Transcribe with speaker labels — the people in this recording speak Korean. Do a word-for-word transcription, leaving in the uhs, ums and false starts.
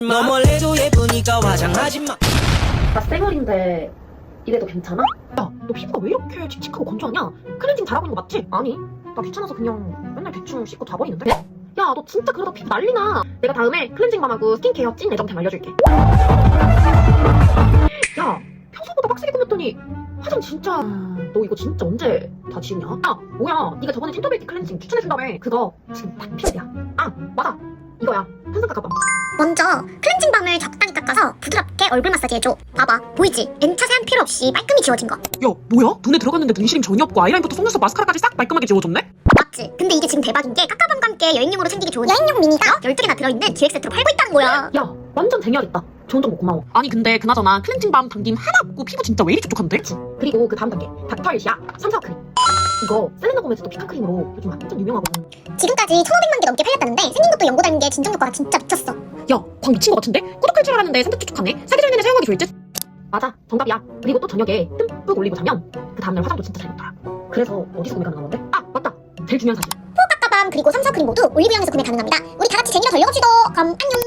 Speaker 1: 너 멀래도 예쁘니까 화장하지 마.
Speaker 2: 나 쌩얼인데 이래도 괜찮아?
Speaker 3: 야, 너 피부가 왜 이렇게 칙칙하고 건조하냐? 클렌징 잘하고 있는 거 맞지? 아니, 나 귀찮아서 그냥 맨날 대충 씻고 자버리는데? 야, 너 진짜 그러다 피부 난리나. 내가 다음에 클렌징밤하고 스킨케어 찐 애정템 알려줄게. 야, 평소보다 빡세게 꾸몄더니 화장 진짜... 너 이거 진짜 언제 다 지우냐? 야, 뭐야, 네가 저번에 틴터베이티 클렌징 추천해준다며. 그거 지금 딱 필요야. 아, 맞아, 이거야, 편성깎아밤.
Speaker 4: 먼저 클렌징 밤을 적당히 깎아서 부드럽게 얼굴 마사지 해줘. 봐봐, 보이지? N차 세안 필요 없이 깔끔히 지워진 거.
Speaker 3: 야, 뭐야? 눈에 들어갔는데 눈시림 전혀 없고 아이라인부터 속눈썹 마스카라까지 싹 깔끔하게 지워줬네?
Speaker 4: 맞지? 근데 이게 지금 대박인 게 깎아밤과 함께 여행용으로 챙기기 좋은 여행용 미니가 열두 개나 들어있는 기획 세트로 팔고 있다는 거야.
Speaker 2: 야, 완전 쟁여야겠다. 좋은 정보 고마워.
Speaker 3: 아니 근데 그나저나 클렌징밤 당김 하나 없고 피부 진짜 왜 이리 촉촉한데?
Speaker 2: 그리고 그 다음 단계, 닥터일시아 삼사와 크림. 이거 셀레나 고메즈도 피칸 크림으로 요즘 완전 유명하거든.
Speaker 4: 지금까지 천오백만 개 넘게 팔렸다는데 생긴 것도 연고 닮은 게 진정 효과가 진짜 미쳤어.
Speaker 3: 야, 광 미친 거 같은데? 꾸덕할 줄 알았는데 산뜻 촉촉하네? 사기 전에는 사용하기 좋을 듯?
Speaker 2: 맞아, 정답이야. 그리고 또 저녁에 듬뿍 올리고 자면 그 다음날 화장도 진짜 잘 먹더라. 그래서 어디서 구매 가능한 건데? 아, 맞다. 제일 중요한 사실.
Speaker 4: 깎아밤 그리고 삼사 크림 모두 올리브영에서 구매 가능합니다. 우리 다 같이 재미로 덜 먹읍시다. 그럼 안녕.